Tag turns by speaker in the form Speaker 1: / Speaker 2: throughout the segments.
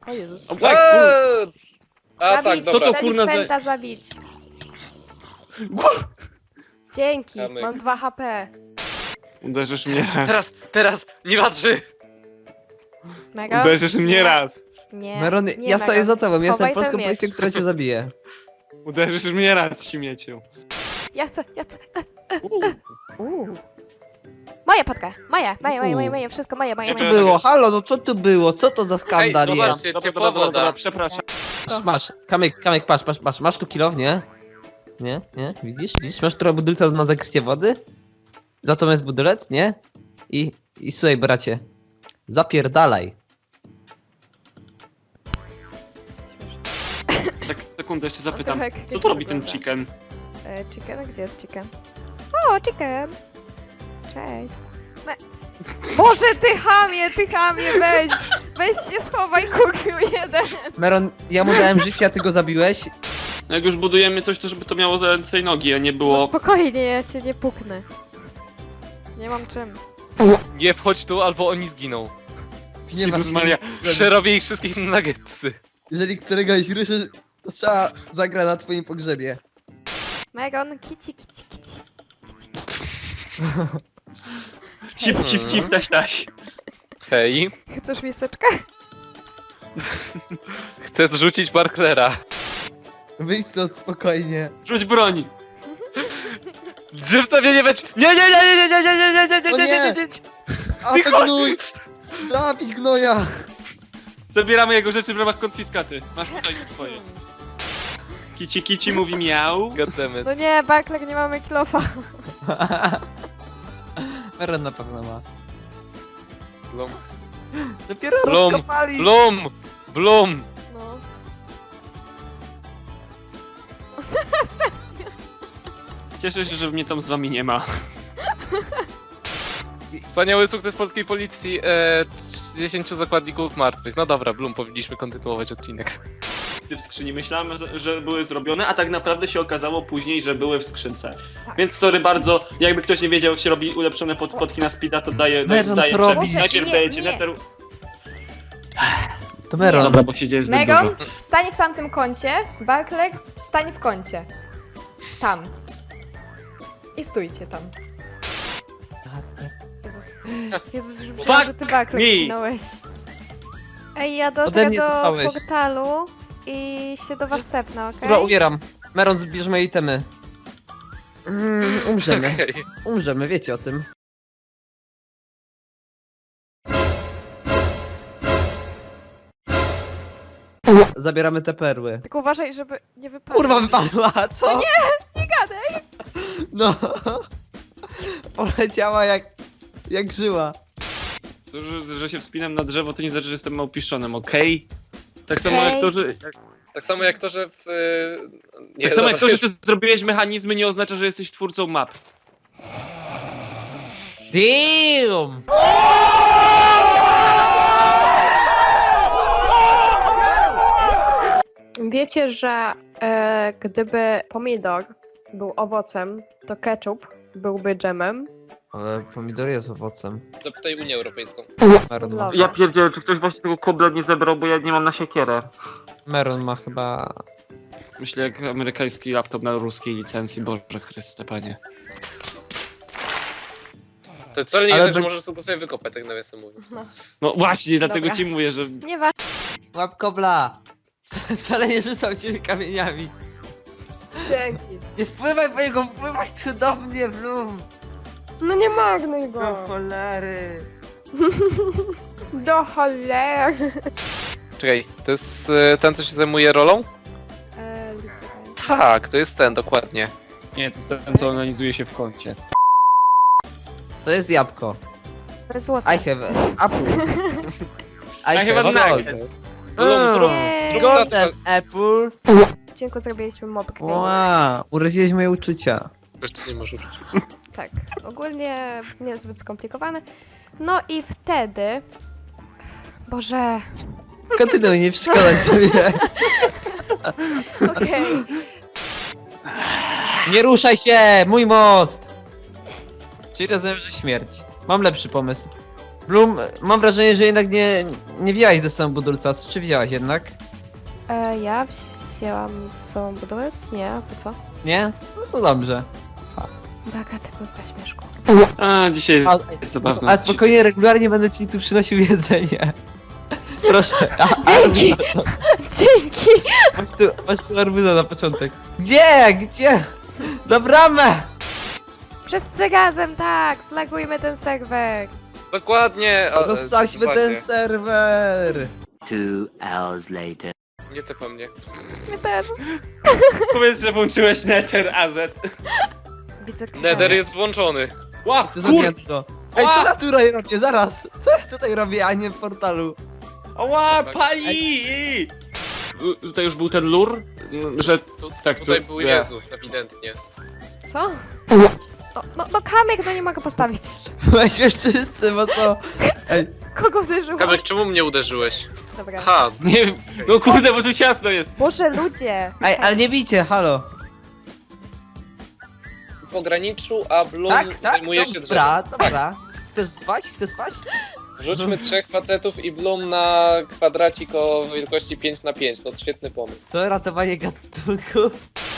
Speaker 1: O Jezus.
Speaker 2: A tak,
Speaker 1: Zabić,
Speaker 2: dobra.
Speaker 3: Co to kurna za-
Speaker 1: delikwenta zabić. Dzięki,
Speaker 2: Kamyk.
Speaker 1: mam 2 HP.
Speaker 3: Uderzysz mnie raz.
Speaker 2: Teraz, nie patrzy!
Speaker 1: Mega?
Speaker 3: Uderzysz mnie raz.
Speaker 1: Nie.
Speaker 4: Meron,
Speaker 1: nie
Speaker 4: ja stoję
Speaker 1: Mega.
Speaker 4: za tobą, jestem
Speaker 1: Schowaj ten
Speaker 4: polską
Speaker 1: miecz.
Speaker 4: policją, która cię zabije.
Speaker 3: Uderzysz mnie raz, śmieciu.
Speaker 1: Ja chcę. Moja patka, moje, wszystko moje.
Speaker 4: Co tu było? Halo, no co tu było? Co to za skandal
Speaker 2: Ej,
Speaker 4: jest?
Speaker 2: zobaczcie, ciepła woda.
Speaker 3: przepraszam.
Speaker 4: Masz, Kamyk, patrz, masz tu kilownię? Nie? Widzisz? Masz trochę budulca na zakrycie wody? Za to jest budulec, nie? I słuchaj, bracie, zapierdalaj.
Speaker 3: Tak, sekundę, jeszcze zapytam.
Speaker 1: trochę
Speaker 3: Co tu robi ten
Speaker 1: wygląda.
Speaker 3: chicken?
Speaker 1: Chicken? Gdzie jest chicken? O, chicken! Cześć. Boże, ty chamie, weź się schowaj, kukiu jeden.
Speaker 4: Meron, ja mu dałem życie, a ty go zabiłeś.
Speaker 3: Jak już budujemy coś, to żeby to miało ręce i nogi, a nie
Speaker 1: No
Speaker 3: było...
Speaker 1: spokojnie, ja cię nie puknę. Nie mam czym.
Speaker 2: Nie wchodź tu, albo oni zginą.
Speaker 4: Nie
Speaker 3: Jezus Maria.
Speaker 2: Przerobię ich wszystkich na nuggetsy.
Speaker 4: Jeżeli któregoś ruszy, to trzeba zagra na twoim pogrzebie.
Speaker 1: Megan, kici.
Speaker 3: Cip, taś.
Speaker 2: Hej,
Speaker 1: Chcesz miseczkę?
Speaker 2: chcę zrzucić Barklera.
Speaker 4: Wyjdź stąd spokojnie.
Speaker 3: Rzuć broń!
Speaker 2: Żywca mnie nie weź! Nie!
Speaker 4: A to gnój! Zabić gnoja!
Speaker 3: Zabieramy jego rzeczy w ramach konfiskaty. Masz tutaj twoje. Kici mówi miał.
Speaker 2: Goddammit.
Speaker 1: No nie, Barklek, nie mamy kilofa.
Speaker 4: Meron na pewno ma.
Speaker 2: Blum.
Speaker 4: Dopiero
Speaker 2: Blum,
Speaker 4: rozkopali!
Speaker 2: Blum!
Speaker 1: No.
Speaker 3: Cieszę się, że mnie tam z wami nie ma.
Speaker 2: Wspaniały sukces polskiej policji. 10 zakładników martwych. No dobra, Blum, powinniśmy kontynuować odcinek.
Speaker 3: W skrzyni myślałem, że były zrobione, a tak naprawdę się okazało później, że były w skrzynce. Więc sorry bardzo, jakby ktoś nie wiedział, jak się robi ulepszone podki na speeda, to daję...
Speaker 4: Meron, co robisz?
Speaker 3: Najpierw
Speaker 1: Nie,
Speaker 3: dajecie
Speaker 1: nie.
Speaker 3: nether...
Speaker 4: To Meron.
Speaker 3: Dobra, bo się dzieje zbyt
Speaker 1: Megan,
Speaker 3: dużo.
Speaker 1: stań w tamtym kącie. Barklek, stań w kącie. Tam. I stójcie tam. Jezus, już myślałam, że ty Barklek
Speaker 3: me.
Speaker 1: zginąłeś. Ej, ja
Speaker 4: Ode
Speaker 1: dotrę
Speaker 4: mnie
Speaker 1: do
Speaker 4: dostałeś.
Speaker 1: portalu i się do was tepnę, okej?
Speaker 4: Dobra, umieram. Meron, zbierz moje itemy. Umrzemy.
Speaker 2: Okej.
Speaker 4: Umrzemy, wiecie o tym. Zabieramy te perły.
Speaker 1: Tylko uważaj, żeby nie wypadło.
Speaker 4: Kurwa wypadła, co?
Speaker 1: No nie gadaj!
Speaker 4: No. Poleciała jak żyła.
Speaker 3: To, że się wspinam na drzewo, to nie znaczy, że jestem małpiszonem, okej? Tak samo
Speaker 1: Okej.
Speaker 3: jak to, że...
Speaker 2: Tak samo jak to, że w...
Speaker 3: Tak samo jak to, że ty zrobiłeś mechanizmy, nie oznacza, że jesteś twórcą map.
Speaker 4: Damn!
Speaker 1: Wiecie, że gdyby pomidor był owocem, to ketchup byłby dżemem?
Speaker 4: Ale pomidor jest owocem.
Speaker 2: Zapytaj Unię Europejską.
Speaker 4: Meron ma,
Speaker 1: Dobra.
Speaker 3: Ja pierdzielę, czy ktoś właśnie tego kobla nie zebrał, bo ja nie mam na siekierę.
Speaker 4: Meron ma chyba...
Speaker 3: Myślę jak amerykański laptop na ruskiej licencji, Boże Chryste, panie.
Speaker 2: To wcale nie
Speaker 4: Ale
Speaker 2: jest tak, że
Speaker 4: by-
Speaker 2: możesz sobie wykopać, tak nawiasem mówiąc.
Speaker 3: No właśnie, dlatego
Speaker 1: Dobra.
Speaker 3: ci mówię, że...
Speaker 1: Nie wa...
Speaker 4: Łap kobla! Wcale nie rzucał cię kamieniami.
Speaker 1: Dzięki.
Speaker 4: Nie wpływaj po niego, wpływaj tu do mnie, Blum!
Speaker 1: No nie magnuj
Speaker 4: Do
Speaker 1: go.
Speaker 4: cholery!
Speaker 1: Do cholery.
Speaker 2: Czekaj, to jest ten, co się zajmuje rolą? Tak, to jest ten, dokładnie.
Speaker 3: Nie, to jest ten, co organizuje się w kącie.
Speaker 4: To jest jabłko.
Speaker 1: Złote.
Speaker 4: I have apple. I
Speaker 3: have a
Speaker 4: gold.
Speaker 3: nugget.
Speaker 1: Jej.
Speaker 4: Golden apple.
Speaker 1: Dziękuję, zrobiliśmy mopkę.
Speaker 4: Wow, uraziłeś moje uczucia.
Speaker 2: Wiesz, to nie możesz.
Speaker 1: Tak, ogólnie niezbyt skomplikowane. No i wtedy... Boże...
Speaker 4: Kontynuuj, nie przeszkadzaj sobie.
Speaker 1: Okej.
Speaker 4: Nie ruszaj się, mój most! Czyli rozumiem, że śmierć. Mam lepszy pomysł. Bloom, mam wrażenie, że jednak nie wzięłaś ze sobą budulca, czy wzięłaś jednak?
Speaker 1: Ja wzięłam z sobą budulec? Nie, po co?
Speaker 4: Nie? No to dobrze.
Speaker 1: Baka, ty kurwa śmieszku.
Speaker 3: A, dzisiaj
Speaker 4: A,
Speaker 3: jest zabawne.
Speaker 4: a spokojnie, regularnie będę ci tu przynosił jedzenie. Proszę.
Speaker 1: Dzięki.
Speaker 4: Arbuza, to-
Speaker 1: Dzięki!
Speaker 4: masz tu arbuza na początek. Gdzie? Gdzie? Za bramę!
Speaker 1: Wszyscy razem, tak! Slagujmy ten serwer!
Speaker 2: Dokładnie!
Speaker 4: Dostaliśmy ten serwer!
Speaker 5: 2 hours later.
Speaker 2: Nie te po mnie.
Speaker 1: My też.
Speaker 3: Powiedz, że włączyłeś Nether AZ.
Speaker 1: Widzę
Speaker 2: Nether jest włączony.
Speaker 3: Ła,
Speaker 4: To
Speaker 3: kur...
Speaker 4: zamknięto. Ej, co ja tu robię? Zaraz! Co ja tutaj robię, a nie w portalu?
Speaker 3: Ła, pali! Tutaj już był ten lur, że... Tak,
Speaker 2: Tutaj
Speaker 3: tu-
Speaker 2: był
Speaker 3: nie.
Speaker 2: Jezus, ewidentnie.
Speaker 1: Co? No Kamek, no nie mogę postawić.
Speaker 4: Weźmiesz wszyscy, bo co? Ej,
Speaker 1: Kogo uderzyło?
Speaker 2: Kamek, czemu mnie uderzyłeś?
Speaker 1: Dobra.
Speaker 2: Ha,
Speaker 3: Nie, no kurde, bo tu ciasno jest.
Speaker 1: Boże, ludzie!
Speaker 4: ej, ale nie bijcie, halo.
Speaker 2: w pograniczu, a Bloom
Speaker 4: Tak,
Speaker 2: zajmuje się drzewem.
Speaker 4: dobra, dobra. Chcesz spać? Chcesz spać?
Speaker 2: Rzućmy 3 facetów i Bloom na kwadracik o wielkości 5×5. No świetny pomysł.
Speaker 4: Co, ratowanie gatunku?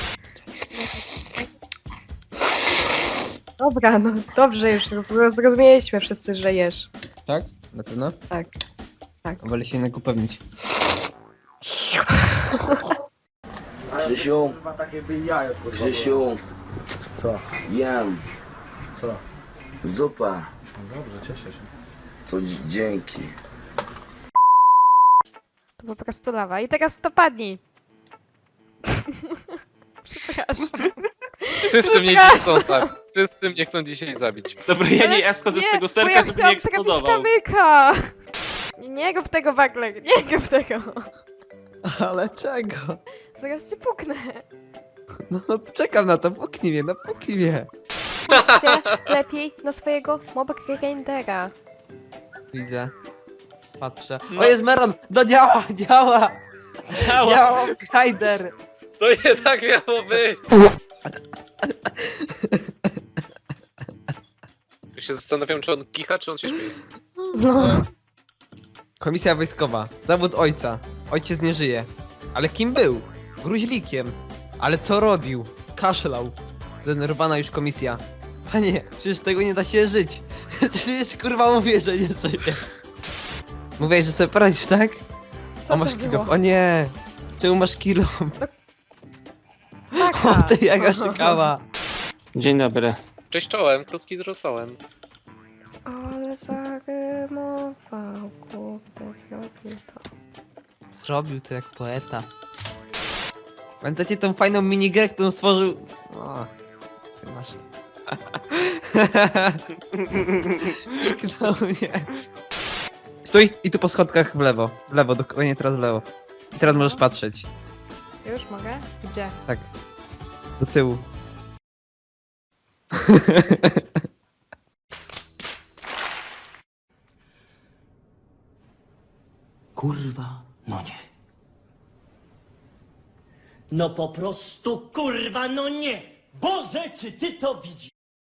Speaker 1: Dobra, no dobrze już, zrozumieliśmy wszyscy, że jesz.
Speaker 4: Tak? Na pewno?
Speaker 1: Tak. Tak.
Speaker 4: Wolę się jednak upewnić.
Speaker 5: Grzesiu, Grzesiu,
Speaker 6: Co?
Speaker 5: jem,
Speaker 6: Co?
Speaker 5: zupa,
Speaker 6: No dobrze, cieszę się.
Speaker 5: to dzięki.
Speaker 1: To po prostu lawa. I teraz to padnij. Przepraszam.
Speaker 2: Wszyscy mnie dzisiaj chcą zabić. Wszyscy mnie chcą dzisiaj zabić.
Speaker 3: Dobra, ja schodzę z tego
Speaker 1: bo
Speaker 3: serka,
Speaker 1: ja
Speaker 3: żeby nie
Speaker 1: chciałam
Speaker 3: eksplodował.
Speaker 1: trafić Kamyka! Nie rób tego, Baklek, nie rób tego.
Speaker 4: Ale czego?
Speaker 1: Zaraz cię puknę.
Speaker 4: No czekam na to, puknij mnie, no puknij mnie.
Speaker 1: Patrzcie lepiej na swojego mob grindera.
Speaker 4: Widzę. Patrzę.
Speaker 3: No.
Speaker 4: O, jest Meron! No działa, działa!
Speaker 3: Działa.
Speaker 4: Działa Grinder!
Speaker 2: To nie tak miało być! Ja się zastanawiam, czy on kicha, czy on się śmieje.
Speaker 1: No.
Speaker 4: Komisja wojskowa. Zawód ojca. Ojciec nie żyje. Ale kim był? Gruźlikiem. Ale co robił? Kaszlał. Zdenerwowana już komisja. Panie, przecież tego nie da się żyć. Przecież kurwa mówię, że nie żyje. Mówiłeś, że sobie poradzisz, tak?
Speaker 1: Co
Speaker 4: O, masz
Speaker 1: to
Speaker 4: kilo.
Speaker 1: było?
Speaker 4: O nie! Czemu masz kilo?
Speaker 1: Taka.
Speaker 4: O, ty jak szukała.
Speaker 3: Dzień dobry.
Speaker 2: Cześć czołem, krótki z rosołem.
Speaker 1: Ale zarymował, kurde, zrobił to.
Speaker 4: Zrobił to jak poeta. Pamiętacie tą fajną minigrę, którą stworzył... O, ty masz... Kliknął mnie. Stój i tu po schodkach w lewo. W lewo, dokładnie teraz w lewo. I teraz możesz patrzeć.
Speaker 1: Już mogę? Gdzie?
Speaker 4: Tak. Do tyłu.
Speaker 7: Kurwa, no nie. No po prostu kurwa, no nie! Boże, czy ty to widzisz?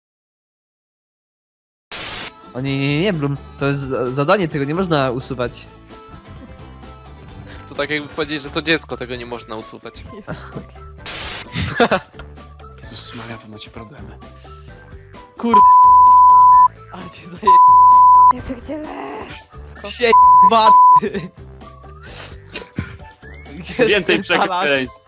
Speaker 4: O nie, Blum. To jest zadanie, tego nie można usuwać.
Speaker 2: To tak jakby powiedzieć, że to dziecko, tego nie można usuwać.
Speaker 1: Jest.
Speaker 3: Jezus Maria, wy macie problemy.
Speaker 4: Kur... Ale cię zaje...
Speaker 1: Ja pierdzielę.
Speaker 4: Się baty.
Speaker 3: Więcej przekleństw.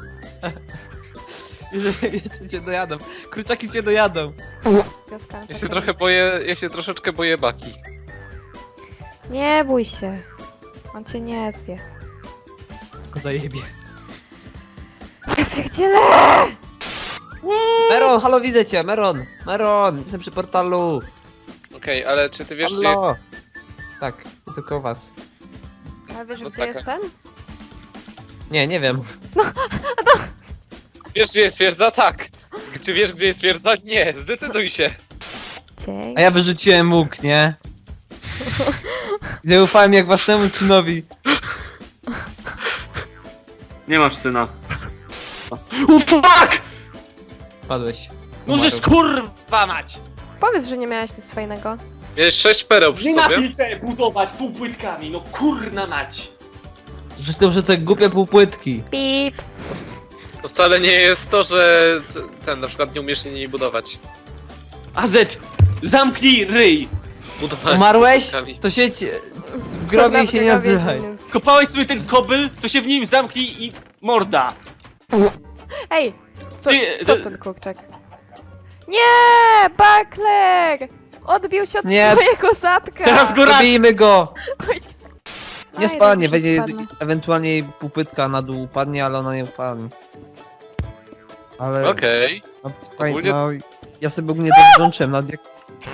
Speaker 4: Jeszcze cię dojadą. Kurczaki cię dojadą.
Speaker 1: Wioska,
Speaker 2: Ja się trochę boję, ja się troszeczkę boję Baki.
Speaker 1: Nie bój się. On cię nie zje.
Speaker 4: Tylko zajebie.
Speaker 1: Ja pierdzielę!
Speaker 4: Meron, halo, widzę cię, Meron. Meron, jestem przy portalu.
Speaker 2: Okej, ale czy ty wiesz, że
Speaker 4: Halo. Tak, jestem koło was.
Speaker 1: Ale wiesz,
Speaker 2: No
Speaker 1: gdzie
Speaker 2: taka.
Speaker 1: jest ten?
Speaker 4: Nie wiem.
Speaker 2: Wiesz, gdzie jest twierdza? Tak. Czy wiesz, gdzie jest twierdza? Nie, zdecyduj się.
Speaker 1: Dzięki.
Speaker 4: A ja wyrzuciłem łuk, nie? Zaufałem jak własnemu synowi.
Speaker 3: Nie masz syna. Fuck!
Speaker 4: Padłeś.
Speaker 3: Możesz kurwa mać!
Speaker 1: Powiedz, że nie miałeś nic fajnego.
Speaker 2: Miałeś 6 pereł przy
Speaker 3: Nie na
Speaker 2: sobie.
Speaker 3: pizzę budować półpłytkami, no kurna mać.
Speaker 4: Wszystko, że te głupie półpłytki.
Speaker 1: Pip.
Speaker 2: To wcale nie jest to, że ten na przykład nie umiesz niej budować.
Speaker 3: AZ, zamknij ryj.
Speaker 2: Budować
Speaker 4: Umarłeś?
Speaker 2: półpłytkami.
Speaker 4: To siedź w grobie i się nie odzywaj.
Speaker 3: Kopałeś sobie ten kobyl, to się w nim zamknij i morda.
Speaker 1: Ej, co,
Speaker 3: Ty-
Speaker 1: co ten kurczak? Nie, Buckler! Odbił się od
Speaker 4: Nie.
Speaker 1: swojego zatka!
Speaker 3: Teraz go raz.
Speaker 4: Zabijmy go! Nie
Speaker 1: Aj,
Speaker 4: spadnie,
Speaker 1: dobrze,
Speaker 4: będzie
Speaker 1: spadnę.
Speaker 4: ewentualnie jej półpytka na dół upadnie, ale ona nie upadnie. Ale
Speaker 2: Okej.
Speaker 4: no, fajnie,
Speaker 2: Ogólnie-
Speaker 4: no, ja sobie ogólnie to włączyłem, nawet jak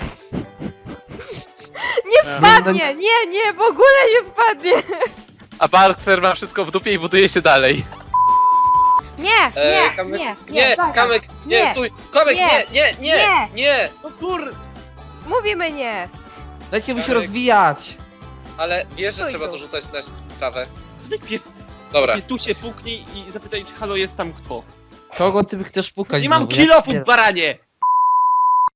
Speaker 1: Nie spadnie! Nie, nie, w ogóle nie spadnie!
Speaker 2: A Barter ma wszystko w dupie i buduje się dalej.
Speaker 1: Nie, nie,
Speaker 2: Kamek,
Speaker 1: nie, zaraz.
Speaker 2: Kamek, nie,
Speaker 1: Nie.
Speaker 2: stój! Kamek,
Speaker 1: Nie.
Speaker 2: nie! Nie!
Speaker 3: No kur...
Speaker 1: Mówimy nie!
Speaker 4: dajcie mu się
Speaker 2: Kamek.
Speaker 4: rozwijać.
Speaker 2: Ale wiesz, że
Speaker 1: Stój
Speaker 2: trzeba
Speaker 1: tu.
Speaker 2: to rzucać na trawę.
Speaker 3: Najpierw
Speaker 2: Dobra.
Speaker 3: tu się puknij i zapytaj, czy halo jest tam kto.
Speaker 4: Kogo ty chcesz pukać?
Speaker 3: Nie mam
Speaker 4: znowu?
Speaker 3: kilofu,
Speaker 4: Nie.
Speaker 3: baranie!